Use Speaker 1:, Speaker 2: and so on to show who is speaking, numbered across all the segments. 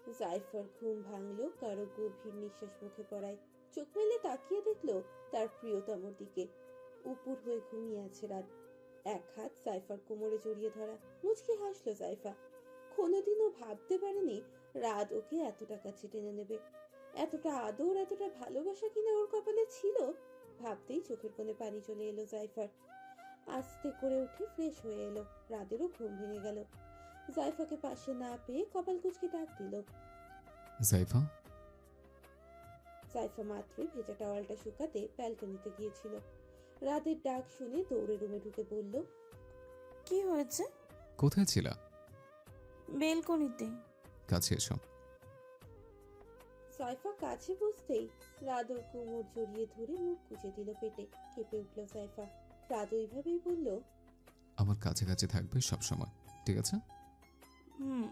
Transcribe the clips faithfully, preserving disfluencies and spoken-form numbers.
Speaker 1: জাইফার ঘুম ভাঙলো কারো গভীর নিঃশ্বাস মুখে পড়ায়। চোখ মেলে তাকিয়ে দেখলো তার প্রিয়তমর দিকে। উপুর হয়ে ঘুমিয়ে আছে রাত। এক হাত জাইফার কোমরে জড়িয়ে ধরা। মুচকি হাসলো জাইফা। কোনোদিনও ভাবতে পারেনি রাত ওকে এতটা কাছে টেনে নেবে। এতটা আদর, এতটা ভালোবাসা কিনা ওর কপালে ছিল। ভাবতেই চোখের কোণে পানি চলে এলো জাইফার। আস্তে করে উঠে ফ্রেশ হয়ে এলো। রাতেরও ঘুম ভেঙে গেল। জাইফাকে পাশে না পেয়ে কপাল কুঁচকে ডাক দিল।
Speaker 2: জাইফা।
Speaker 1: জাইফা মাত্রই ভেজা টাওয়ালটা শুকাতে ব্যালকনিতে গিয়েছিল। রাতের ডাক শুনে দৌড়ে রুমে ঢুকে বলল,
Speaker 3: কি হয়েছে?
Speaker 2: কোথায় ছিলা?
Speaker 3: বেলকনিতে।
Speaker 2: কাছে এসো।
Speaker 1: সাইফা কাছে বসতেই রাত ওর কোমর জড়িয়ে ধরে মুখ গুজে দিল পেটে। কেঁপে উঠল সাইফা। রাত ওইভাবেই বলল,
Speaker 2: আমার কাছাকাছি থাকবে সব সময়, ঠিক আছে?
Speaker 3: হুম।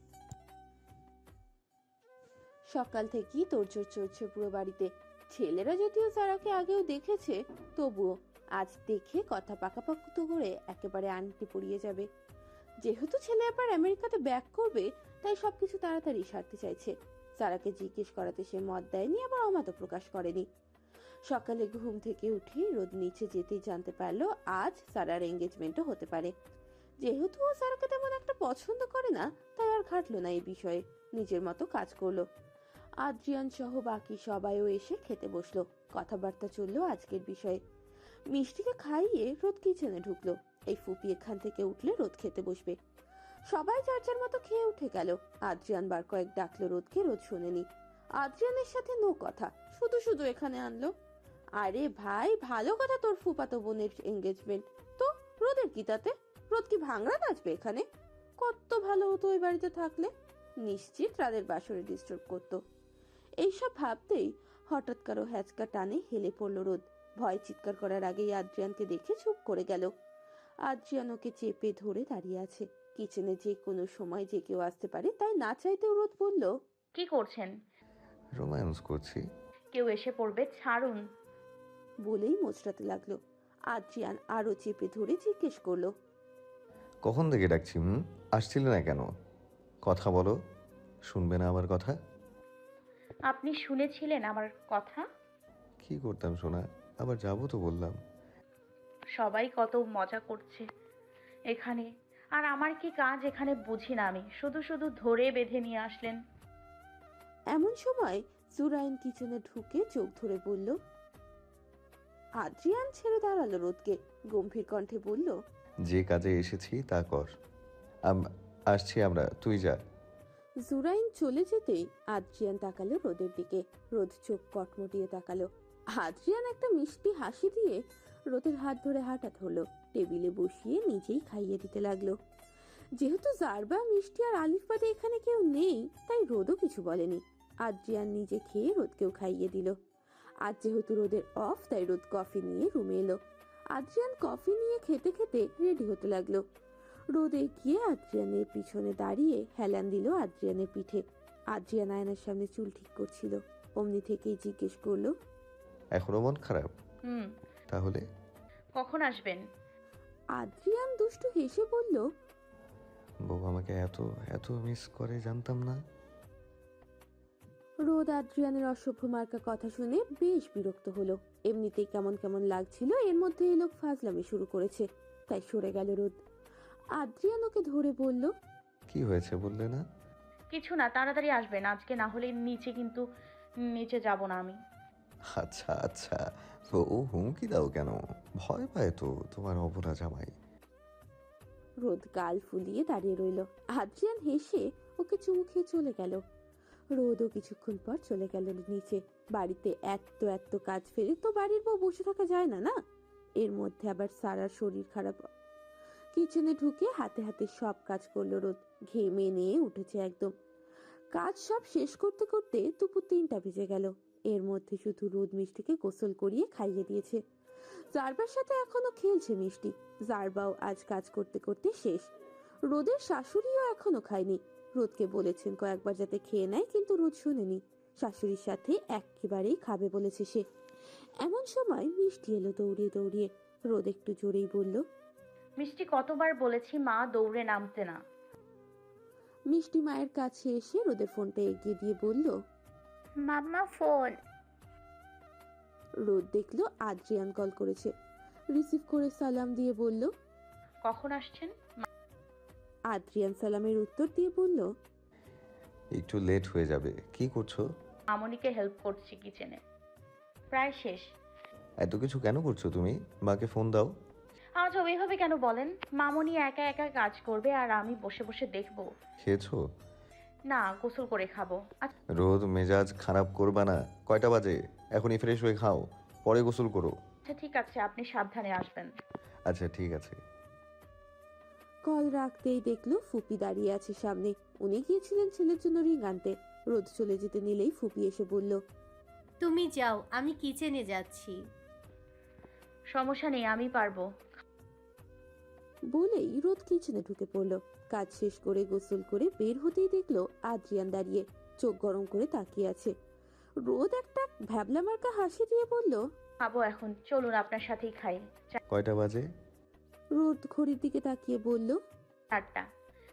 Speaker 1: সকাল থেকেই তোড়জোড় চড়ছে পুরো বাড়িতে। ছেলেরা যদিও সারাকে আগেও দেখেছে, তবুও আজ দেখে কথা পাকাপাকুত করে একেবারে আংটি পরিয়ে যাবে। যেহেতু ছেলে আবার আমেরিকাতে ব্যাক করবে, তাই সবকিছু তাড়াতাড়ি সারতে চাইছে। সারাকে জিজ্ঞেস করাতে সে মত দেয়নি, আবার অমত প্রকাশ করেনি। সকালে ঘুম থেকে উঠে রোদ নিচে যেতেই জানতে পারলো আজ সারার এঙ্গেজমেন্টও হতে পারে। যেহেতু ও সারাকে তেমন একটা পছন্দ করে না, তাই আর ঘাটলো না এই বিষয়ে। নিজের মতো কাজ করলো। আদ্রিয়ান সহ বাকি সবাইও এসে খেতে বসলো। কথাবার্তা চললো আজকের বিষয়ে। মিষ্টিকে খাইয়ে রোদ কিচেনে ঢুকলো। এই ফুপি এখান থেকে উঠলে রোদ খেতে বসবে। সবাই যার যার মতো খেয়ে উঠে গেল। আদ্রিয়ান বার কয়েক ডাকলো রোদকে, রোদ শোনেনি। আদ্রিয়ানের সাথে নো কথা, শুধু শুধু এখানে আনলো। আরে ভাই, ভালো কথা তোর ফুপাতো বোনের এঙ্গেজমেন্ট, তো রোদের কি তাতে? রোদ কি ভাঙড়া নাচবে এখানে? কত ভালো হতো ওই বাড়িতে থাকলে। নিশ্চিত রাদের বাসরে ডিস্টার্ব করতো। এইসব ভাবতেই হঠাৎ কারো হ্যাচকা টানে হেলে পড়লো রোদ। ভয় চিৎকার করার আগেই আদ্রিয়ানকে দেখে চুপ করে গেল। আদ্রিয়ান ওকে চেপে ধরে দাঁড়িয়ে আছে। কিচেনে যে কোনো সময় যে কেউ আসতে পারে, তাই না চাইতেও রোদ বলল,
Speaker 4: কি করছেন?
Speaker 5: রোম্যান্স করছি।
Speaker 4: কেউ এসে পড়বে, ছাড়ুন।
Speaker 1: বলেই মোচড়াতে লাগলো। আদ্রিয়ান আরো চেপে ধরে জিজ্ঞেস করলো,
Speaker 5: কখন থেকে ডাকছি? হুম, আসছিলে না কেন? কথা বলো। শুনবে না আমার কথা?
Speaker 4: আপনি শুনেছিলেন আমার কথা?
Speaker 5: কি করতাম সোনা, আবার যাবো তো বললাম।
Speaker 4: সবাই কত মজা করছে এখানে, আর আমার কি কাজ এখানে বুঝি না আমি। শুধু শুধু ধরে বেঁধে নিয়ে আসলেন।
Speaker 1: এমন সময় জুরাইন কিচেনে ঢুকে চোখ ধরে বলল। আদ্রিয়ান ছেড়ে দাঁড়ালো রোদকে, গম্ভীর কণ্ঠে বলল,
Speaker 5: যে কাজে এসেছি তা কর। আম- আসছি আমরা, তুই যা।
Speaker 1: জুরাইন চলে যেতেই আদ্রিয়ান তাকালো রোদের দিকে। রোদ চোখ কটমটিয়ে তাকালো। আদ্রিয়ান একটা মিষ্টি হাসি দিয়ে রোদের হাত ধরে হাঁটা ধরলো। টেবিলে বসিয়ে নিজেই খাইয়ে দিতে লাগলো। যেহেতু জারবা, মিষ্টি আর আলিফ বাদে এখানে কেউ নেই, তাই রোদও কিছু বলেনি। আদ্রিয়ান নিজে খেয়ে রোদকেও খাইয়ে দিল। আজ যেহেতু রোদের অফ, তাই রোদ কফি নিয়ে রুমে এলো। আদ্রিয়ান কফি নিয়ে খেতে খেতে রেডি হতে লাগলো। রোদে গিয়ে আদ্রিয়ানের পিছনে দাঁড়িয়ে হেলান দিল আদ্রিয়ানের পিঠে। আদ্রিয়ান আয়নার সামনে চুল ঠিক করছিল। অমনি থেকেই জিজ্ঞেস করলো,
Speaker 5: এখনো মন খারাপ?
Speaker 4: হুম।
Speaker 5: তাহলে
Speaker 4: কখন আসবেন?
Speaker 1: আদ্রিয়ান দুষ্টু হেসে বলল,
Speaker 5: বউ আমাকে এত এত মিস করে জানতাম না।
Speaker 1: রোদ আদ্রিয়ানের অসভ্য মার্কা কথা শুনে বেশ বিরক্ত হলো। এমনিতেই কেমন কেমন লাগছিল, এর মধ্যে এই লোক ফাজলামি শুরু করেছে, তাই সরে গেল রোদ। আদ্রিয়ান ওকে ধরে বলল,
Speaker 5: কি হয়েছে বললে না?
Speaker 4: কিছু না, তাড়াতাড়ি আসবেন আজকে, না হলে নিচে কিন্তু নিচে যাব না আমি।
Speaker 5: আচ্ছা আচ্ছা, তো ও হুমকি দাও কেন? ভয় পায় তো তোমার অবলা জামাই।
Speaker 1: রোদ গাল ফুলিয়ে দাঁড়িয়ে রইল। আদ্রিয়ান হেসে ওকে চুমু খেয়ে চলে গেল। রোদও কিছুক্ষণ পর চলে গেল নিচে। বাড়িতে এত এত কাজ ফেলে তো বাড়ির বউ বসে থাকা যায় না না। এর মধ্যে আবার সারার শরীর খারাপ। কিচেনে ঢুকে হাতে হাতে সব কাজ করলো রোদ। ঘেমে নিয়ে উঠেছে একদম। কাজ সব শেষ করতে করতে দুপুর তিনটা বেজে গেল। এর মধ্যে শুধু রোদ মিষ্টিকে গোসল করিয়ে খাইয়ে দিয়েছে। জারবার সাথে এখনো খেলছে মিষ্টি। জারবাও আজ কাজ করতে করতে শেষ। রোদের শাশুড়িও এখনো খায়নি। রোদকে বলেছেন কয়েকবার যাতে খেয়ে নেয়, কিন্তু রোদ শুনেনি। শাশুড়ির সাথে একেবারেই খাবে বলেছে সে। এমন সময় মিষ্টি এলো দৌড়িয়ে দৌড়িয়ে। রোদ একটু জোরেই বলল,
Speaker 4: মিষ্টি, কতবার বলেছি মা দৌড়ে নামতে না।
Speaker 1: মিষ্টি মায়ের কাছে এসে রোদের ফোনটা এগিয়ে দিয়ে বলল।
Speaker 4: Mamma phone.
Speaker 1: রোদ দেখলো আদ্রিয়ান কল করেছে, রিসিভ করে সালাম দিয়ে বলল।
Speaker 4: কখন আসছেন?
Speaker 1: আদ্রিয়ান সালামের উত্তর দিয়ে বলল।
Speaker 5: একটু লেট হয়ে যাবে। কি করছো?
Speaker 4: মামনিকে হেল্প করছি কিচেনে, প্রায় শেষ।
Speaker 5: এত কিছু কেন করছো তুমি? মাকে ফোন দাও।
Speaker 4: আজ ওইভাবে কেন বলেন? মামনি একা একা কাজ করবে আর আমি বসে বসে দেখবো।
Speaker 5: খেয়েছো?
Speaker 4: না, গোসল করে খাবো। আচ্ছা
Speaker 5: রোদ মেজাজ খারাপ করবা না। কয়টা বাজে? এখনই ফ্রেশ হয়ে খাও, পরে গোসল করো।
Speaker 4: ঠিক আছে, আপনি সাবধানে আসবেন।
Speaker 5: আচ্ছা ঠিক আছে।
Speaker 1: কল রাখতেই দেখলো ফুপি দাঁড়িয়ে আছে সামনে। উনি গিয়েছিলেন ছেলের জন্য রিং আনতে। রোদ চলে যেতে নিলেই ফুপি এসে বলল।
Speaker 6: তুমি যাও, আমি কিচেনে যাচ্ছি।
Speaker 4: সমস্যা নেই, আমি পারবো।
Speaker 1: বলেই রোদ কিচেনে ঢুকে পড়লো। কাজ শেষ করে গোসল করে বের হতেই দেখলো আদ্রিয়ান দাঁড়িয়ে চোখ গরম করে তাকিয়ে আছে। রোদ একটা ভ্যাবলা মার্কা হাসি দিয়ে বলল।
Speaker 4: খাবো এখন, চলুন আপনার সাথেই খাই।
Speaker 5: কয়টা বাজে?
Speaker 1: রোদ ঘড়ির দিকে তাকিয়ে বলল।
Speaker 4: চারটা।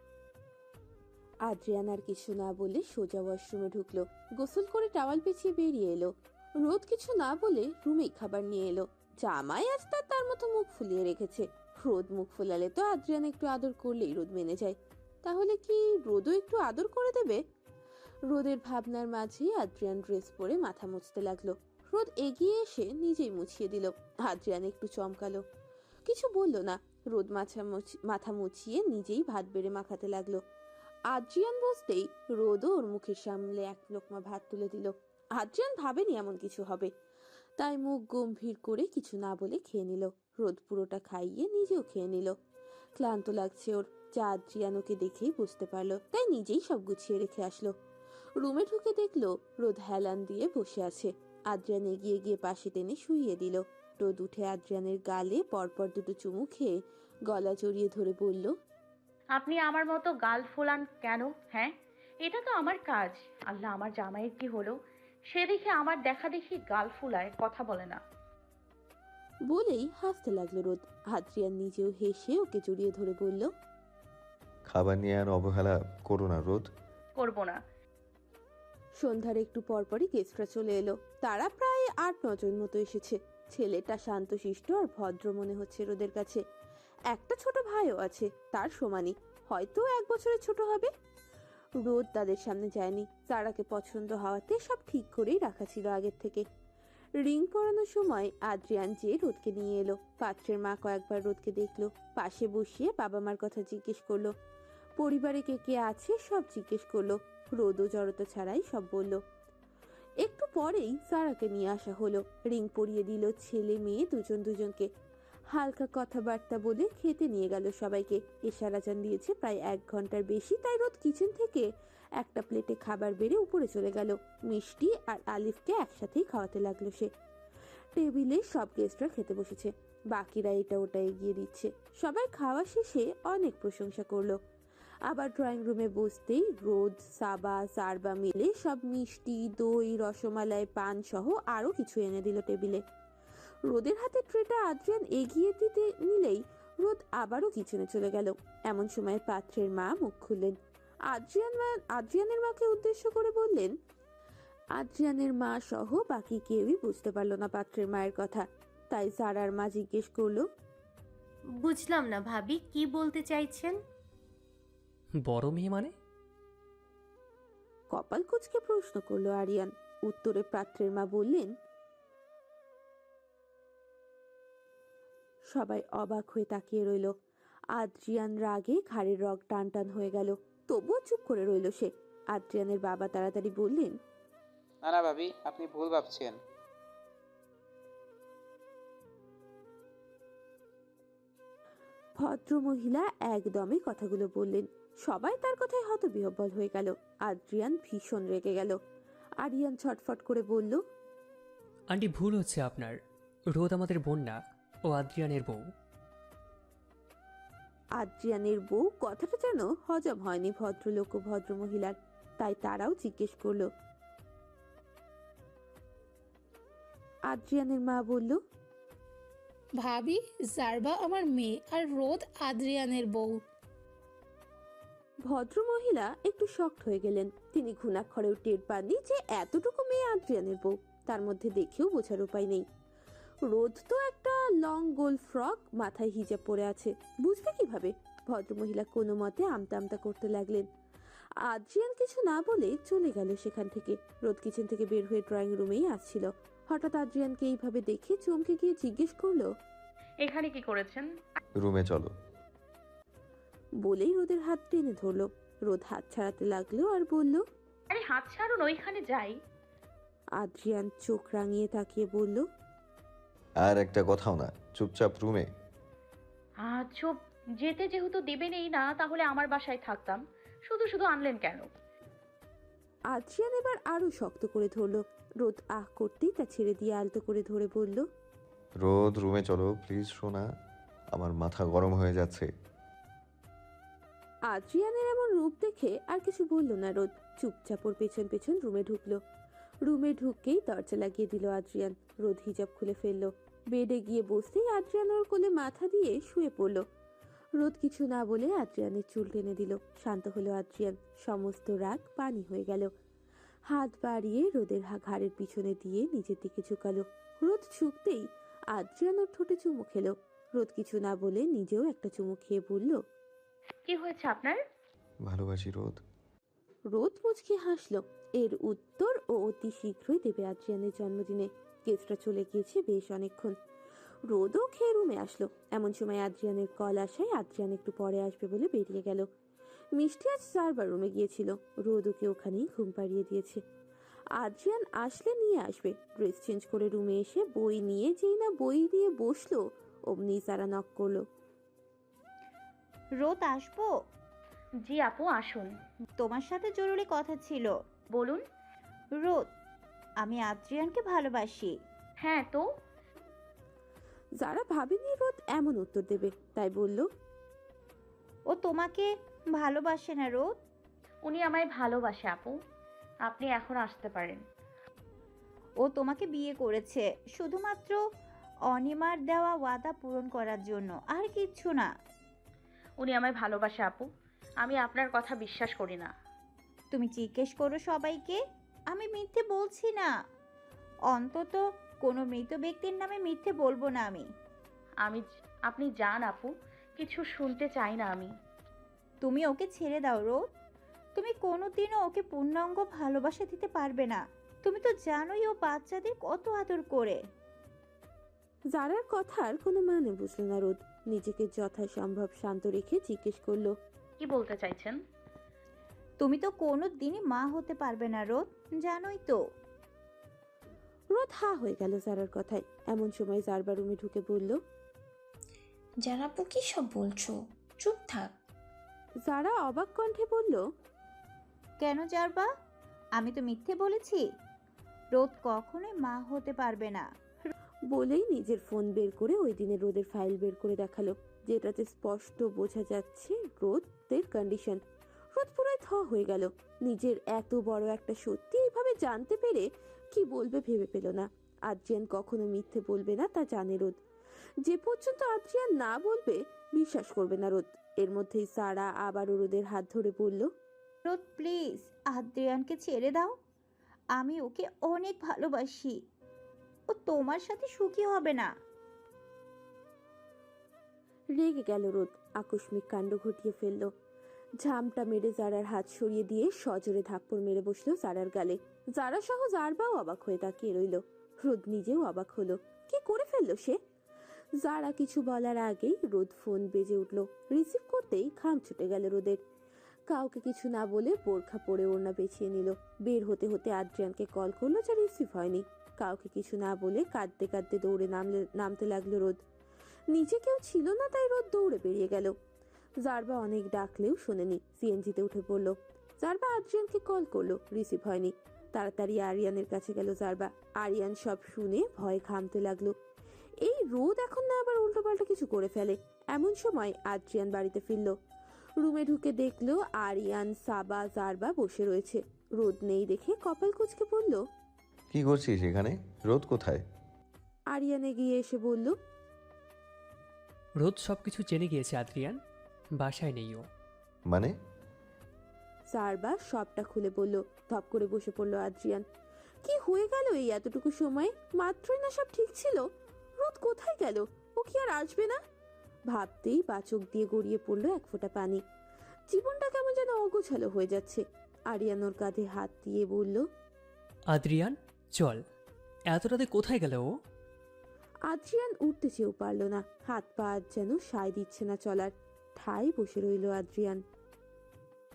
Speaker 1: আদ্রিয়ান আর কিছু না বলে সোজা ওয়াশরুমে ঢুকলো। গোসল করে টাওয়াল পেঁচিয়ে বেরিয়ে এলো। রোদ কিছু না বলে রুমেই খাবার নিয়ে এলো। জামাই আজ তার তার মতো মুখ ফুলিয়ে রেখেছে। রোদ মুখ ফুলালে তো আদ্রিয়ান একটু আদর করলেই রোদ মেনে যায়। তাহলে কি রোদও একটু আদর করে দেবে? রোদের ভাবনার মাঝেই আদ্রিয়ান ড্রেস পরে মাথা মুছতে লাগলো। রোদ এগিয়ে এসে নিজেই মুছিয়ে দিল। আদ্রিয়ান একটু চমকালো, কিছু বলল না। রোদ মাথা মাথা মুছিয়ে নিজেই ভাত বেড়ে মাখাতে লাগলো। আদ্রিয়ান বসতেই রোদও ওর মুখের সামনে এক লোকমা ভাত তুলে দিল। আদ্রিয়ান ভাবেনি এমন কিছু হবে, তাই মুখ গম্ভীর করে কিছু না বলে খেয়ে নিল। রোদ পুরোটা খাইয়ে নিজেও খেয়ে নিল। ক্লান্ত লাগছে ওর, যা আদ্রিয়ান ওকে দেখেই বুঝতে পারলো, তাই নিজেই সব গুছিয়ে রেখে আসলো। রুমে ঢুকে দেখলো রোদ হেলান দিয়ে বসে আছে। আদ্রিয়ান এগিয়ে গিয়ে পাশে টেনে শুইয়ে দিল। রোদ উঠে আদ্রিয়ানের গালে পরপর দুটো চুমু খেয়ে গলা জড়িয়ে ধরে বলল।
Speaker 4: আপনি আমার মতো গাল ফোলান কেন? হ্যাঁ, এটা তো আমার কাজ। আল্লাহ, আমার জামাইয়ের কি হলো? সে দেখে আমার দেখা দেখি গাল ফুলায়, কথা বলে না।
Speaker 1: বলেই হাসতে লাগলো রোদ। আদ্রিয়ান নিজেও হেসে ওকে জড়িয়ে ধরে বলল।
Speaker 5: খাবার নিয়ে আর অবহেলা করো না রোদ।
Speaker 4: করবো না।
Speaker 1: সন্ধ্যার একটু পরপরই গেস্টরা চলে এলো। তারা প্রায় আট নজন মতো এসেছে। ছেলেটা শান্তশিষ্ট আর ভদ্র মনে হচ্ছে রোদের কাছে। একটা ছোট ভাইও আছে তার সমানই, হয়তো এক বছরের ছোট হবে। রোদ তাদের সামনে যায়নি। তারাকে পছন্দ হওয়াতে সব ঠিক করেই রাখা ছিল আগের থেকে। রিং পরানোর সময় আদ্রিয়ান যে রোদকে নিয়ে এলো। পাত্রের মা কয়েকবার রোদকে দেখলো, পাশে বসিয়ে বাবা মার কথা জিজ্ঞেস করলো। পরিবারে কে কে আছে সব জিজ্ঞেস করলো। রোদও জড়তা ছাড়াই সব বলল। একটু পরেই সারাকে নিয়ে আসা হলো। রিং পরিয়ে দিল ছেলে মেয়ে দুজন দুজনকে। হালকা কথাবার্তা বলে খেতে নিয়ে গেল সবাইকে। এশার আজান দিয়েছে প্রায় এক ঘন্টার বেশি, তাই রোদ কিচেন থেকে একটা প্লেটে খাবার বেড়ে উপরে চলে গেল। মিষ্টি আর আলিফকে একসাথেই খাওয়াতে লাগলো সে। টেবিলে সব গেস্টরা খেতে বসেছে, বাকিরা এটা ওটা এগিয়ে দিচ্ছে। সবাই খাওয়া শেষে অনেক প্রশংসা করলো। আবার ড্রয়িং রুমে বসতেই রোদ, সাবা, সারবা মিলে সব মিষ্টি, দই, রসমালাই, পান সহ আরো কিছু এনে দিল টেবিলে। রোদের হাতে ট্রেটা আদ্রিয়ান এগিয়ে দিতে নিলেই রোদ আবারও কিচেনে চলে গেল। এমন সময় পাত্রের মা মুখ খুললেন। আদ্রিয়ান আদ্রিয়ানের মাকে উদ্দেশ্য করে বললেন। আদ্রিয়ানের মা সহ বাকি কেউই বুঝতে পারলো না পাত্রের মায়ের কথা, তাই সারার মা জিজ্ঞেস করলো।
Speaker 6: বুঝলাম না ভাবি, কি বলতে চাইছেন?
Speaker 7: বড় মেয়ে মানে?
Speaker 1: কপাল কুঁচকে প্রশ্ন করলো আরিয়ান। উত্তরে পাত্রের মা বললেন। সবাই অবাক হয়ে তাকিয়ে রইল। আদ্রিয়ান রাগে ঘাড়ের রগ টান টান হয়ে গেল, তবুও চুপ করে রইল সে। আদ্রিয়ানের বাবা তাড়াতাড়ি বললেন।
Speaker 8: না না ভাবি, আপনি ভুল ভাবছেন।
Speaker 1: ভদ্র মহিলা একদমই কথাগুলো বললেন। সবাই তার কথায় হতবিহ্বল হয়ে গেল। আদ্রিয়ান ভীষণ রেগে গেল। আরিয়ান ছটফট করে বলল।
Speaker 7: আন্টি, ভুল হচ্ছে আপনার। রোদ আমাদের বোন না, ও আদ্রিয়ানের বউ।
Speaker 1: আদ্রিয়ানের বউ কথাটা যেন হজম হয়নি ভদ্রলোক ও ভদ্র মহিলার, তাই তারাও জিজ্ঞেস করলো। আদ্রিয়ানের মা বলল।
Speaker 9: ভাবি, জারবা আমার মেয়ে আর রোদ আদ্রিয়ানের বউ।
Speaker 1: ভদ্রমহিলা একটু শকড হয়ে গেলেন। তিনি ঘুণাক্ষরেও টের পাননি যে এতটুকু মেয়ে আদ্রিয়ানের বউ। তার মধ্যে দেখেও বোঝার উপায় নেই। রোদ তো একটা লং গোল ফ্রক, মাথায় হিজাব পরে আছে, বুঝবে কিভাবে? ভদ্রমহিলা কোনো মতে আমতা আমতা করতে লাগলেন। আদ্রিয়ান কিছু না বলে চলে গেল সেখান থেকে। রোদ কিচেন থেকে বের হয়ে ড্রয়িং রুমেই আসছিল। হঠাৎ আদ্রিয়ানকে এইভাবে দেখে চমকে গিয়ে জিজ্ঞেস করলো,
Speaker 4: এখানে কি করেছেন?
Speaker 5: রুমে চলো।
Speaker 1: বলেই রোদের হাত টেনে ধরলো। রোদ হাত ছাড়াতে লাগলো আর বলল,
Speaker 4: আরে হাত ছাড়ুন, ওইখানে যাই।
Speaker 1: আদ্রিয়ান চোখ রাঙিয়ে তাকিয়ে বলল,
Speaker 5: আর একটা কথাও না, চুপচাপ রুমে।
Speaker 4: আহ চুপ, যেতে যেহেতু দেবেনই না তাহলে আমার বাসায় থাকতাম, শুধু শুধু আনলেন কেন?
Speaker 1: আদ্রিয়ান এবার আরো শক্ত করে ধরলো। রোদ আহ করতেই তা ছেড়ে দিয়ে আলতো করে ধরে বলল,
Speaker 5: রোদ রুমে চলো প্লিজ সোনা, আমার মাথা গরম হয়ে যাচ্ছে।
Speaker 1: আদ্রিয়ানের এমন রূপ দেখে আর কিছু বলল না রোদ। চুপচাপ ওর পেছন পেছন রুমে ঢুকলো। রুমে ঢুকতেই দরজা লাগিয়ে দিল আদ্রিয়ান। রোদ হিজাব খুলে ফেললো। বেডে গিয়ে বসতেই আদ্রিয়ান ওর কোলে মাথা দিয়ে শুয়ে পড়লো। রোদ কিছু না বলে আদ্রিয়ানের চুল টেনে দিল। শান্ত হলো আদ্রিয়ান। সমস্ত রাগ পানি হয়ে গেল। হাত বাড়িয়ে রোদের হা- ঘাড়ের পিছনে দিয়ে নিজের দিকে ঝুঁকালো। রোদ ঝুঁকতেই আদ্রিয়ান ওর ঠোঁটে চুমু খেলো। রোদ কিছু না বলে নিজেও একটা চুমু খেয়ে বলল,
Speaker 4: কি হয়েছে আপনার?
Speaker 5: ভালোবাসি রোদ।
Speaker 1: রোদ মুচকি হাসলো। এর উত্তর ও অতি শীঘ্রই দেবে আদ্রিয়ানের জন্মদিনে। গেস্টরা চলে গিয়েছে বেশ অনেকক্ষণ। রোদও খেয়ে রুমে আসলো। এমন সময় আদ্রিয়ানের কল আসায় আদ্রিয়ান একটু পরে আসবে বলে বেরিয়ে গেল। মিষ্টি আজ চারবার রুমে গিয়েছিল। রোদ ওকে ওখানেই ঘুম পাড়িয়ে দিয়েছে। আদ্রিয়ান আসলে নিয়ে আসবে। ড্রেস চেঞ্জ করে রুমে এসে বই নিয়ে যেই না বই নিয়ে বসলো, অমনি সারা নক করলো।
Speaker 9: রোদ আসবো?
Speaker 4: জি আপু, আসুন।
Speaker 9: তোমার সাথে জরুরি কথা ছিল।
Speaker 4: বলুন।
Speaker 9: রোদ, আমি আদ্রিয়ানকে ভালোবাসি।
Speaker 4: হ্যাঁ তো?
Speaker 1: যারা ভাবেনি রোদ এমন উত্তর দেবে, তাই বলল,
Speaker 9: ও তোমাকে ভালোবাসে না রোদ।
Speaker 4: উনি আমায় ভালোবাসে আপু, আপনি এখন আসতে পারেন।
Speaker 9: ও তোমাকে বিয়ে করেছে শুধুমাত্র অনিমার দেওয়া ওয়াদা পূরণ করার জন্য, আর কিচ্ছু না।
Speaker 4: উনি আমায় ভালোবাসে আপু, আমি আপনার কথা বিশ্বাস করি না।
Speaker 9: তুমি জিজ্ঞেস করো সবাইকে, আমি মিথ্যে বলছি না। অন্তত কোনো মৃত ব্যক্তির নামে মিথ্যে বলবো না আমি।
Speaker 4: আমি আপনি যান আপু, কিছু শুনতে চাই না আমি।
Speaker 9: তুমি ওকে ছেড়ে দাও রোদ। তুমি কোনোদিনও ওকে পূর্ণাঙ্গ ভালোবাসা দিতে পারবে না। তুমি তো জানোই ও বাচ্চাদের কত আদর করে।
Speaker 1: জারার কথার কোনো মানে বুঝলো না রোদ। নিজেকে যথাসম্ভব শান্ত রেখে জিজ্ঞেস করলো,
Speaker 4: কি বলতে চাইছেন?
Speaker 9: তুমি তো কোনো দিনই মা হতে পারবে না রোদ, জানোই তো।
Speaker 1: রোদ হা হয়ে গেল জারার কথায়। এমন সময় জারবা রুমে ঢুকে বলল,
Speaker 10: জারাপু কি সব বলছো? চুপ থাক।
Speaker 1: জারা অবাক কণ্ঠে বলল,
Speaker 9: কেন জারবা? আমি তো মিথ্যে বলেছি। রোদ কখনোই মা হতে পারবে না।
Speaker 1: বলেই নিজের ফোন বের করে ওই দিনের রোদের ফাইল বের করে দেখালো, যেটাতে স্পষ্ট বোঝা যাচ্ছে রোদের কন্ডিশন। রোদ পুরোই থ হয়ে গেল। নিজের এত বড় একটা সত্যি এইভাবে জানতে পেরে কি বলবে ভেবে পেল না। আদ্রিয়ান কখনো মিথ্যে বলবে না তা জানে রোদ। যে পর্যন্ত আদ্রিয়ান না বলবে বিশ্বাস করবে না রোদ। এর মধ্যেই সারা আবারও রোদের হাত ধরে বলল,
Speaker 9: রোদ প্লিজ আদ্রিয়ানকে ছেড়ে দাও। আমি ওকে অনেক ভালোবাসি। ও তোমার সাথে সুখী হবে না।
Speaker 1: রেগে গেল রোদ। আকস্মিক কাণ্ড ঘটিয়ে ফেলল। ঝামটা মেরে জারার হাত সরিয়ে দিয়ে সজোরে থাপ্পড় মেরে বসলো জারার গালে। জারা সহ জারবাও অবাক হয়ে তাকিয়ে রইল। রোদ নিজেও অবাক হলো। কি করে ফেললো সে? জারা কিছু বলার আগেই রোদ ফোন বেজে উঠল। রিসিভ করতেই ঘাম ছুটে গেল রোদের। কাউকে কিছু না বলে বোরখা পরে ওড়না পেঁচিয়ে নিল। বের হতে হতে আদ্রিয়ানকে কল করলো, যা রিসিভ হয়নি। কাউকে কিছু না বলে কাঁদতে কাঁদতে দৌড়ে নামলে নামতে লাগলো রোদ। নিচে কেউ ছিল না, তাই রোদ দৌড়ে বেরিয়ে গেল। জারবা অনেক ডাকলেও শোনেনি। সিএনজিতে উঠে পড়লো। জারবা আদ্রিয়ানকে কল করলো, রিসিভ হয়নি। তাড়াতাড়ি আরিয়ানের কাছে গেল জারবা। আরিয়ান সব শুনে ভয় ঘামতে লাগলো। এই রোদ এখন না আবার উল্টোপাল্টা কিছু করে ফেলে। এমন সময় আদ্রিয়ান বাড়িতে ফিরল। রুমে ঢুকে দেখলো আরিয়ান, সাবা, জারবা বসে রয়েছে। রোদ নেই দেখে কপাল কুঁচকে পড়ল।
Speaker 5: কি করছিস এখানে? রোদ কোথায়?
Speaker 1: আরিয়ান এগিয়ে এসে বলল,
Speaker 7: রোদ সব কিছু জেনে গিয়েছে আদ্রিয়ান, বাসায় নেই ও।
Speaker 5: মানে?
Speaker 1: চারবার সবটা খুলে বলল। ধপ করে বসে পড়ল আদ্রিয়ান। কি হয়ে গেল এই এতটুকু সময়? মাত্রই না সব ঠিক ছিল। রোদ কোথায় গেল? ও কি আর আসবে না? ভাবতেই বাচক দিয়ে গড়িয়ে পড়লো এক ফোঁটা পানি। জীবনটা কেমন যেন অগোছালো হয়ে যাচ্ছে। আরিয়ান ওর কাঁধে হাত দিয়ে বলল,
Speaker 7: আদ্রিয়ান চল। এত রাতে কোথায় গেল ও?
Speaker 1: আদ্রিয়ান উঠতে চেয়েও পারল না। হাত পা আজ যেন সায় দিচ্ছে না চলার। ঠায় বসে রইল আদ্রিয়ান।